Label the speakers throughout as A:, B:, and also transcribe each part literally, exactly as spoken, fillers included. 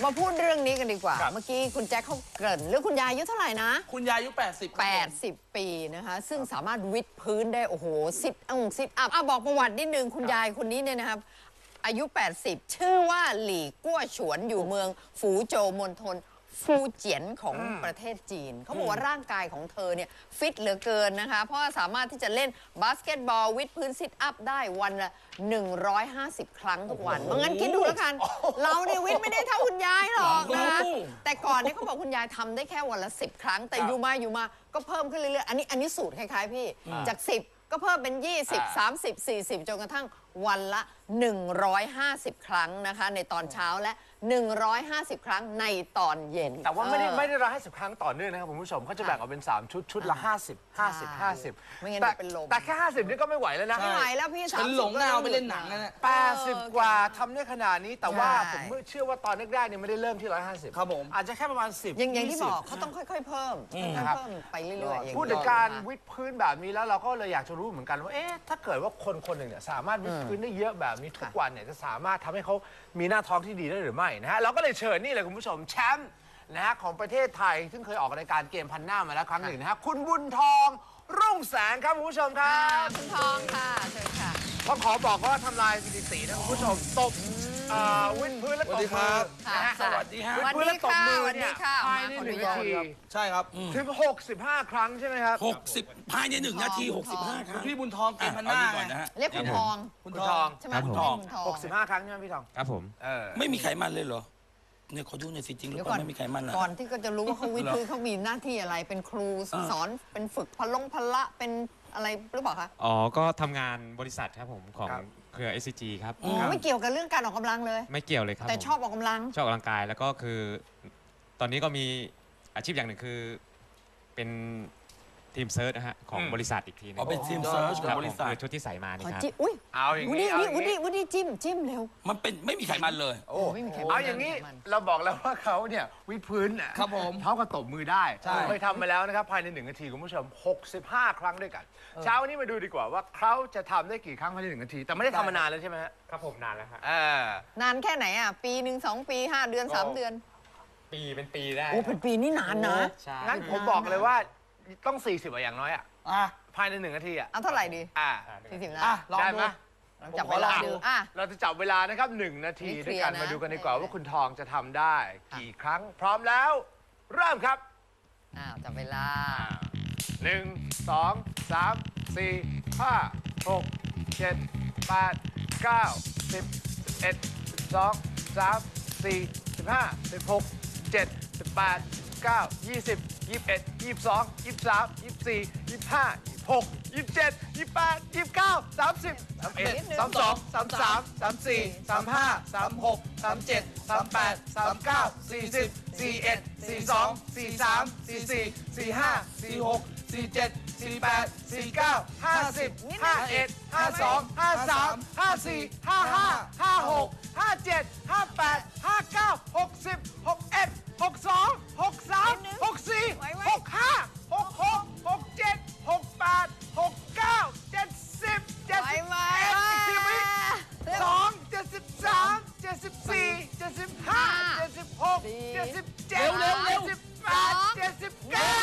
A: มาพูดเรื่องนี้กันดีกว่าเมื่อกี้คุณแจ็คเขาเกริ่นเรื่องคุณยายอายุเท่าไหร่นะ
B: คุณยายอายุแปดสิบ
A: แปดสิบปีนะคะซึ่งสามารถวิดพื้นได้โอ้โหซิทอัพซิทอัพอ่ะบอกประวัตินิดนึงคุณยายคนนี้เนี่ยนะครับอายุแปดสิบชื่อว่าหลี่กั้วฉวนอยู่เมืองฝูโจวมณฑลฟูเจียนของประเทศจีนเขาบอกว่าร่างกายของเธอเนี่ยฟิตเหลือเกินนะคะเพราะว่าสามารถที่จะเล่นบาสเกตบอลวิดพื้นซิทอัพได้วันละหนึ่งร้อยห้าสิบครั้งทุกวันเพราะงั้นคิดดูแล้วกันเราเนี่ยวิดไม่ได้เท่าคุณยายหรอกนะคะแต่ก่อนเนี่ยเขาบอกคุณยายทำได้แค่วันละสิบครั้งแต่อยู่มาอยู่มาก็เพิ่มขึ้นเรื่อยๆอันนี้อันนี้สูตรคล้ายๆพี่จากสิบก็เพิ่มเป็นยี่สิบ สามสิบ สี่สิบจนกระทั่งวันละหนึ่งร้อยห้าสิบครั้งนะคะในตอนเช้าและหนึ่งร้อยห้าสิบครั้งในตอนเย็น
C: แต่ว่าไม่ได้ไม่ได้ร้อยห้าสิบครั้งต่อเนื่องนะครับคุณผู้ชมเขาจะแบ่งออกเป็นสามชุดชุดละห้าสิบ ห้าสิบ ห้าสิบ
A: ไม่งั้น
C: แต่
A: เป็นลม
C: แต่แค่ห้าสิบนี่ก็ไม่ไหวแล้วนะ
A: ไม่ไหวแล้วพี่
B: ฉันหลงดาวไปเล่นหนังนะ
C: แปดสิบกว่าทำได้ขนาดนี้แต่ว่าผมเชื่อว่าตอนแรกๆเนี่ยไม่ได้เริ่มที่ร้อยห้าสิบ
B: ครับผม
C: อาจจะแค่ประมาณสิบ
A: อย่างอย่างที่บอกเขาต้องค่อยๆเพิ่มค่อยๆเพิ่มไปเรื่อยๆอย่าง
C: พูดถึงการวิดพื้นแบบนี้แล้วเราก็เลยอยากจะรู้เหมือนกันว่าเอ๊ะถ้าเกิดว่าคนคนหนึ่งเนี่ยสามารถวิดพื้นได้เยอะแบบนี้ทุกวันเนี่ยจะสามารถทำให้เขามีหน้าท้องที่ดีได้หรือไม่นะฮะเราก็เลยเชิญนี่เลยคุณผู้ชมแชมป์นะฮะของประเทศไทยซึ่งเคยออกรายการเกมพันหน้ามาแล้วครั้งหนึ่งนะฮะคุณบุญทองรุ่งแสงครับคุณผู้ชมครับ
A: คุณทองค่ะเชิญค่ะ
C: ต้องขอบอกว่าทำลายสถิตินะคุณผู้ชมตบวิดพื้นและตบมือ
B: นะฮะสวัสดีฮะ
A: วันนี้ค่ะวันนี้ค่ะ
C: ภายในหนึ่งนาที
B: ใช่ครับ
C: ถึงหกสิบห้าครั้งใช่ไหมครับ
D: หกสิบภายในหนึ่งนาทีหกสิบห้าครั้ง
B: พี่บุญทองเกมพันหน้า
D: ก่อนนะฮะ
A: เรียกคุณทอง
C: คุณทอง
A: ใช่ไหม
D: คุณทอง
C: หกสิบห้าครั้งใช่ไหมพี่ทอง
D: ครับผม
C: ไม่
D: มีไขมันเลยเหรอเนี่ยเขาดูในสิจริงหรือเปล่าไม่มีไขมัน
A: ก่อนที่ก็จะรู้ว่าเขาวิทย์พื้นเขามีหน้าที่อะไรเป็นครูสอนเป็นฝึกพลงพละเป็นอะไรหรือเปล่าคะ
E: อ๋อก็ทำงานบริษัทครับผมของเครือ เอส ซี จี ครับ
A: ไม่เกี่ยวกับเรื่องการออกกำลังเลย
E: ไม่เกี่ยวเลยครับ
A: แต่ชอบออกกำลัง
E: ชอบออกกำลังกายแล้วก็คือตอนนี้ก็มีอาชีพอย่างหนึ่งคือเป็นทีมเซิร์ชนะฮะของบริษัทอีกทีนึง
D: อ๋อเป็นทีมเซิร์ชของบริษัท
E: คือชุดที่ใส่มานี่ครับ
A: อุ้ย
C: เอาอย่าง
A: นี้เอาอย่างนี้วันนี้จิ้มจิ้มเร็ว
D: มันเป็นไม่มีไขมันเลย
C: โอ้ไม่มีไขมันเอาอย่างนี้เราบอกแล้วว่าเขาเนี่ยวิดพื้น
B: ครับผม
C: เขาก็ตบมือได้เคยทำมาแล้วนะครับภายในหนึ่งนาทีคุณผู้ชมหกสิบห้าครั้งด้วยกันเช้าวันนี้มาดูดีกว่าว่าเขาจะทำได้กี่ครั้งภายในหนึ่งนาทีแต่ไม่ได้ทำมานานแล้วใช่ไหมฮะ
E: ครับผมนานแล้วครับ
A: นานแค่ไหนอ่ะปีหนึ่งสองปีห้าเดือนสามเดือน
E: ปีเป็นปีได้
A: โอ้เป็นปีนี่นานนะ
C: งั้นผมบอกเลยว่าต้องสี่สิบอย่างน้อยอ่ะภายในหนึ่งนาทีอ่ะ
A: เอาเท่าไหร่ดี
C: อ่า
A: สี่สิบนะ
C: ลองดู
A: จับเวลาดูอ่ะ
C: เราจะจับเวลานะครับหนึ่งนาทีด้วยกันมาดูกันดีกว่าว่าคุณทองจะทำได้กี่ครั้งพร้อมแล้วเริ่มครับ
A: อ้าวจับเวลา
C: หนึ่งสองสามสี่ห้าหกเจ็ดแปดเก้าสิบสิบเอ็ดสิบสองสามสี่สิบห้าสิบหกเจ็ดสิบแปดเก้ายี่สิบยี่สิบเอ็ดยี่สิบสองยี่สิบสามยี่สิบสี่ยี่สิบห้ายี่สิบหกยี่สิบเจ็ดยี่สิบแปดยี่สิบเก้าสามสิบสามเอ็ดสามสองสามสามสามสี่สามห้าสามหกสามเจ็ดสามแปดสามเก้าสี่สิบสี่เอ็ดสี่สองสี่สามสี่สี่สี่ห้าสี่หกสี่เจ็ดสี่แปดสี่เก้าห้าสิบห้าเอ็ดห้าสองห้าสามห้าสี่ห้าห้าห้าหกห้าเจ็ดห้าแปดห้าเก้าหกสิบหกเอ็ดหกสองหกสามหกสี่หกห้าหกหกหกเจ็ดหกแปดหกเก้าเจ็ดสิบเจ็ดสิบเอ็ดอีกทีวิสองเจ็ดสิบสามเจ็ดสิบสี่เจ็ดสิบห้าเจ็ดสิบหกเจ็ดสิบเจ็ดเจ็ดสิบแปดเจ็ดสิบเก้า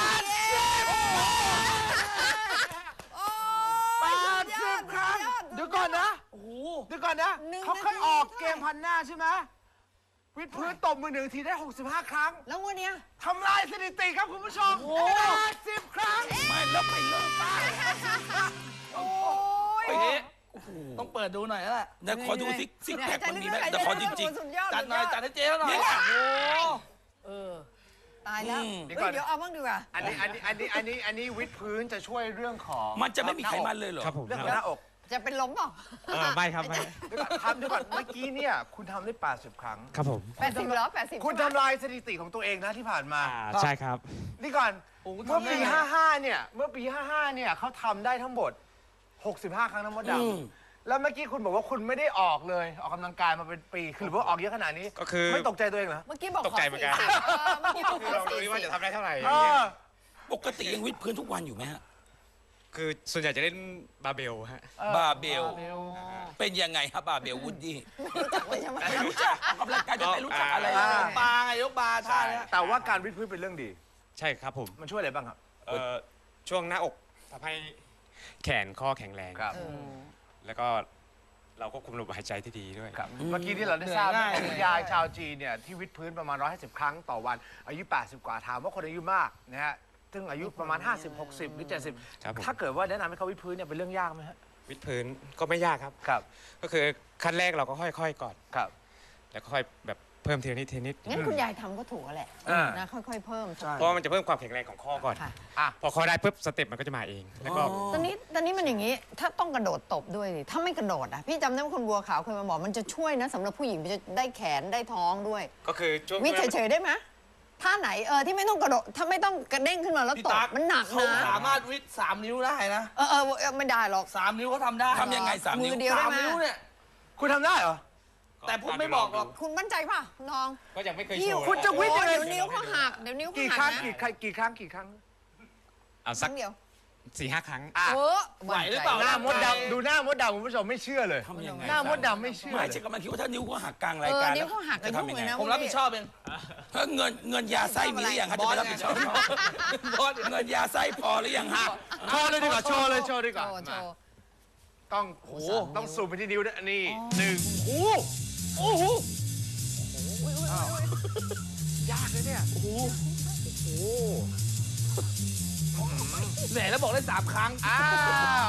C: แปดสิบครั้งเดี๋ยวก่อนนะเดี๋ยวก่อนนะเขาเคยออกเกมพันหน้าใช่ไหมวิดพื้นตบมือหนึ่งทีได้หกสิบห้าครั้ง
A: แล้ววันนี้
C: ทำลายสถิติครับคุณผู้ชมแปดสิบครั้ง
D: ไม่แล้วไปเลิกไป
A: โอ้ย
B: ต้องเปิดดูหน่อยแล้วแหละ
D: เดี๋ยวขอดูซิซิกแพคมันมีไหมเดี๋ยวขอจริง
B: ๆจัดหน่อยจัดให้เจ๊หน่อย
A: เออตายแล้วเดี๋ยวเอาบ้างดีกว่า
C: อันนี้อันนี้อันนี้อันนี้อันนี้วิดพื้นจะช่วยเรื่องของ
D: มันจะไม่มีไขมันเลยเหรอ
E: ครับผม
C: เรื่องของหน้าอก
A: จะเป็นล้มเปล่า
E: ไม่ครับไม่
C: ทำด้วยก่อนเมื่อกี้เนี่ยคุณทำได้แปดสิบครั้ง
E: ครับผม
A: แปดสิบเหรอแปดสิบ
C: คุณทำลายสถิติของตัวเองนะที่ผ่านมา
E: ใช่ครับ
C: นี่ก่อนเมื่อปีห้าห้าเนี่ยเมื่อปีห้าห้าเนี่ยเขาทำได้ทั้งหมดหกสิบห้าครั้งทั้งหมดดำแล้วเมื่อกี้คุณบอกว่าคุณไม่ได้ออกเลยออกกำลังกายมาเป็นปีคือหรือว่าออกเยอะขนาดนี้
E: ก็คือ
C: ไม่ตกใจตัวเองเหรอ
A: เมื่อกี้บอก
E: ตกใจเหมือนกัน
A: เมื่อกี้บอก
E: คือเราดูว่าจะทำได้เท่าไหร่
D: ปกติยังวิดพื้นทุกวันอยู่ไหมฮะ
E: คือส่วนใหญ่จะเล่นบาร์เบลฮะ
D: บาร์เบล เป็นยังไงครับบาร์เบลวูดดี้
A: รู้จักเลยใช่ไหม
D: ไม่รู้จักออกกำลังกายจะไม่รู้จักอะไร
C: อ่า
D: เลย
B: ยกบาร์ไงยกบาร์ท่าเนี้ย
C: แต่ว่าการวิดพื้นเป็นเรื่องดี
E: ใช่ครับผม
C: มันช่วยอะไรบ้างครับ
E: เอ่อช่วงหน้าอกทำให้แขนข้อแข็งแรง
C: ครับ
E: แล้วก็เราก็คุมลมหายใจที่ดีด้วย
C: ครับ เมื่อกี้ที่เราได้ทราบ
B: เหนื่อยง่าย
C: คุณยายชาวจีนเนี่ยที่วิดพื้นประมาณ หนึ่งร้อยห้าสิบ ครั้งต่อวัน อายุ แปดสิบ กว่าถามว่าคนอายุมากนะฮะ ซึ่งอายุประมาณ ห้าสิบ หกสิบ หรือ เจ็ดสิบ
E: ครับผม
C: ถ้าเกิดว่าแนะนำให้เขาวิดพื้นเนี่ยเป็นเรื่องยากไหมฮะ
E: วิดพื้นก็ไม่ยากครับ
C: ครับ
E: ก็คือขั้นแรกเราก็ค่อยๆก่อน
C: ครับ
E: แล้วก็ค่อยแบบเพิ่มทีละนิดทีละนิด
A: งั้นคุณยายทำก็ถูกแล้วแหละ
C: อ่าน
A: นะค่อยๆเพิ่ม
E: เพราะว่ามันจะเพิ่มความแข็งแรงของข้อก่อน
A: ค่ะ
C: อ่ะ
E: พอข้อได้ปุ๊บสเต็ปมันก็จะมาเอง แล้วก็
A: ตอนนี้ตอนนี้มันอย่างนี้ ถ้าต้องกระโดดตบด้วยสิถ้าไม่กระโดดอ่ะพี่จำได้ว่าคุณบัวขาวเคยมาบอกมันจะช่วยนะสำหรับผู้หญิงมันจะได้แขนได้ท้องด้วย
E: ก็คือช่วง
A: วิทย์เฉยๆได้ไหมท่าไหนเออที่ไม่ต้องกระโดดถ้าไม่ต้องกระเด้งขึ้นมาแล้ว
B: พี่
A: ตบ
B: ตั๊ก
A: มันหนัก
B: เขา
A: นะ
B: สามารถวิดสามนิ้วได้นะ
A: เออเออเออไม่ได้หรอก
B: สามนิ้วเขาทำได้
D: ทำยังไงสามนิ้ว
A: มือเดียว
B: สา
A: ได้
B: ม
A: ไหม
B: นิ้วเนี่ย
C: คุณทำได้เหรอ
B: แต่ผมไม่บอกหรอก
A: คุณมั่นใจป่ะน้อง
E: ก็ยังไม่เคย
A: พี่
E: โชว์
C: คุณจะวิทย์ยังไง
A: เดี๋ยวนิ้วเขาหักเดี๋ยวนิ้วเขา
C: กี่
A: หัก
C: ครั้ง
A: นะ
C: กี่ครั้งกี่ครั้งกี่ครั้ง
E: เอา
A: ค
E: สั
A: รั้
E: ก
A: งเดียว
E: สี่ห้าครั้ง
C: อ่ะ
A: เออ
B: ไหวหรือเปล่า
C: หน้ามดดำดูหน้ามดดำคุณผู้ชมไม่เชื่อเลย
D: ทำยังไง
C: หน้ามดดำไม่เชื่อ
D: ไม่
C: เลย
D: ใช่กำลังคิดว่าถ้านิ้วเขาหักกลาง
A: เอ
D: ราย
A: อ
D: การ
A: นิ้วเขาหักก
D: จะ
A: ระยุ่ง
D: ทำยัง
A: เล
D: ไง
A: ยนะ
B: ผมรับผิดชอบเอง
D: เพิ่งเงินเงินยาไส้มีหรือยังครับจะไปรับผิดชอบ
B: บอส
D: เงินยาไส้พอหรือยังฮะ
C: โชว์เลยดีกว่าโชว์เลยโชว์ดีกว่า
A: โชว์โช
C: มา
A: ว์
C: ต้องโอ้โหต้องซูมไปที่นิ้วด้วยนี่หนึ่งโอ้โหโอ้โหอ้าวยากเลยเนี่ยโอ้โหโอ้โห
B: แหมแล้วบอกได้สามครั้ง
C: อ้าวย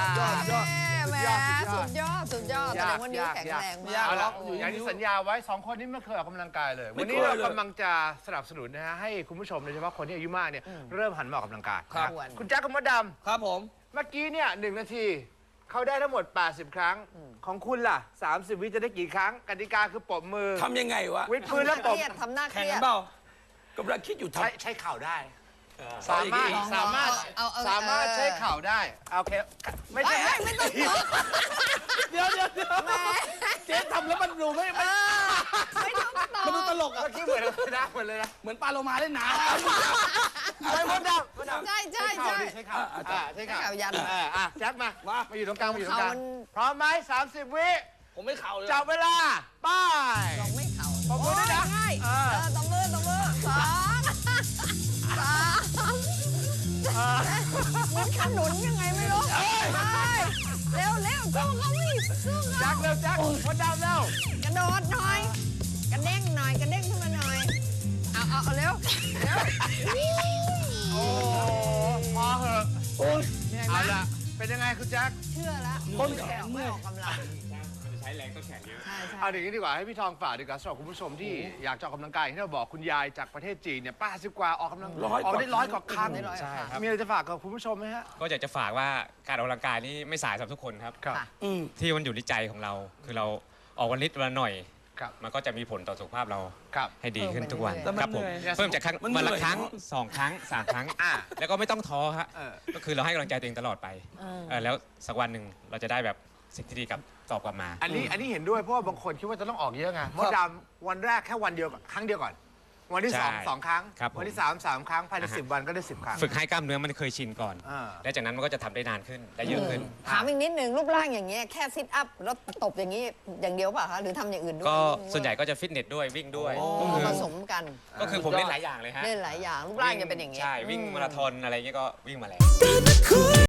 B: อดยอด
A: แหม
C: สุ
A: สุ
C: ด
A: ด
C: ย
A: ย
C: อ
A: อ
C: ด
A: ดสุดยอดแสดงว่านิ้วแข็งแรงมาก
C: เอาละ
A: โอ้
C: อย่างที่สัญญาไว้สองคนนี้ไม่เคยออกกำลังกายเลย
D: ไม่
C: วันนี้
D: เคย
C: เรา
D: เลย
C: กำลังจะสนับสนุนนะฮะให้คุณผู้ชมโดยเฉพาะคนที่อายุมากเนี่ยเริ่มหันมาออกกำลังกาย
B: ครับ
C: นะคุณแจ็คกับมดด
B: ครับผม
C: ำเมื่อกี้เนี่ยหนึ่งนาทีเขาได้ทั้งหมด แปดสิบ ครั้ง ของคุณล่ะ สามสิบ วิจะได้กี่ครั้งกติกาคือปรบมือ
D: ทำยังไงวะ
C: วิดพื้นแล้ว
A: เค
C: ปรบ
A: รียดทำหน้าเค
B: แข่ง
A: รีย
B: กั
A: ด
B: นเปล่า
D: กำลังคิดอยู่ท
C: ใช้ใช้เข่าได้
D: ำ
C: สามารถ
A: ลองๆ
C: สามารถ
A: เอาเอาเอา
C: สามารถ
A: เออ
C: ใช้เข่าได้โอเคไม่
A: เฮ้
C: ใช่
A: ยเฮ้ยไม่ต้องตบ
B: เดี๋ยวเดี๋ยวเดี๋ยว
A: แหม
B: เจ๊ทำแล้วมันดูไม่
A: เอ
B: ไม่
A: อไม่ต้องต
B: มันดู
A: บ
B: ตลกอะ
C: เมื่อกี้เหมือนเลยนะเหมือนเลยนะ
B: เหมือนปลาโลมาเล่นน้
C: ไม่มดดำมดดำ
A: ใช่ใช่
C: ใช้
A: ใช่
C: เข่าดิใช้เข่าอ่าใช้
A: ใช้
C: เข่า
A: เข่ายัน
C: อ่าอ่ะแจ็คมา
B: ำมา
C: มาอยู่ตรงกลางมาอยู่ตรงกลาง
A: เขามัน
C: พร้อมไหมสามสิบ วิ
B: ผมไม่เข่าเลย
C: จับเวลาไป้าย
A: ลองไม่เข่า
C: ปรบมือด้วยนะ
A: โง่าย
C: เอ
A: เอ
C: อ
A: อตบมือตบมือสองสามเหมือนขนุนยังไงไม่รู้ไปเร็วเร็วสู้เขาวิสู้
C: แจ็
A: เขา
C: คเร็วแจ็คมดดำเร็ว
A: กระโดดหน่อย กระเด้งหน่อย กระเด้งขึ้นมาหน่อย เอาเอาเอาเร็ว เร็ว
C: โอ้พอเหอะ
A: เหนื่อยไหม
C: เอาละเป็นยังไงคุณแจ็ค
A: เชื่อแล้วคนแข็งไม่ออกกำลัง
E: มันจะใช้แรงต้นแขนเยอะ
A: ใช่ใช่
C: เอาอย่างนี้ดีกว่าให้พี่ทองฝากดีกว่าสำหรับคุณผู้ชมที่อยากจะออกกำลังกายอย่างที่เราบอกคุณยายจากประเทศจีนเนี่ยป้าสิบกว่าออกกำลัง
D: ร้อย
C: ออกได้ร้อยกว่าครั้ง
A: ได้ร้อยกว่าครั้ง
E: ใช่ครับ
C: มีอะไรจะฝากกับคุณผู้ชมไหมฮะ
E: ก็อยากจะฝากว่าการออกกำลังกายนี่ไม่สายสำหรับทุกคนครับ
C: ครับ
A: ค่ะ
D: อืม
E: ที่มันอยู่ที่ใจของเรา คือเราออกวันนิดวันละหน่อย
C: ครับ
E: มันก็จะมีผลต่อสุขภาพเรา
C: ครับ
E: ให้ดีขึ้นทุกวัน
B: แล้วมัน
E: ครับผม
B: เหนื่อย
E: เพิ่มจากครั้ง
D: มันเหนื่
E: วัน
D: อย
E: ละครั้ง
D: เนอะ
E: สองครั้งสามครั้ง
C: อ่า
E: แล้วก็ไม่ต้องท้อฮะ
C: เออ
E: ก็คือเราให้กำลังใจตัวเองตลอดไป
A: เออ
E: เออแล้วสักวันหนึ่งเราจะได้แบบสิ่งที่ดีกลับตอบกลับมา
C: อันนี้อันนี้เห็นด้วยเพราะว่าบางคนคิดว่าจะต้องออกเยอะไงมดดำวันแรกแค่วันเดียวก่อนครั้งเดียวก่อน วันที่สอง
E: ใช่
C: สองครั้ง
E: ครับผม
C: วันที่สามสามครั้งภายใน
E: อ่าฮะ
C: สิบวันก็ได้สิบครั้ง
E: ฝึกให้กล้ามเนื้อมันเคยชินก่อน
C: อ่า
E: และจากนั้นมันก็จะทำได้นานขึ้นได้เยอะขึ้น
A: ถามอีกนิดนึงรูปร่างอย่างเงี้ยแค่ซิทอัพแล้วตบอย่างนี้อย่างเดียวเปล่ะคะหรือทำอย่างอื่นด้วย
E: ก็ส่วนใหญ่ก็จะฟิตเนสด้วยวิ่งด้วย
A: อ๋อ
E: ก็คือ
A: ผสมกัน
E: ก็คือผมเล่นหลายอย่างเลยฮะ
A: เล่นหลายอย่างรูปร่างจะเป็นอย่างเงี้ย
E: ใช่วิ่งมาราธอนอะไรเงี้ยก็วิ่งมาแล้ว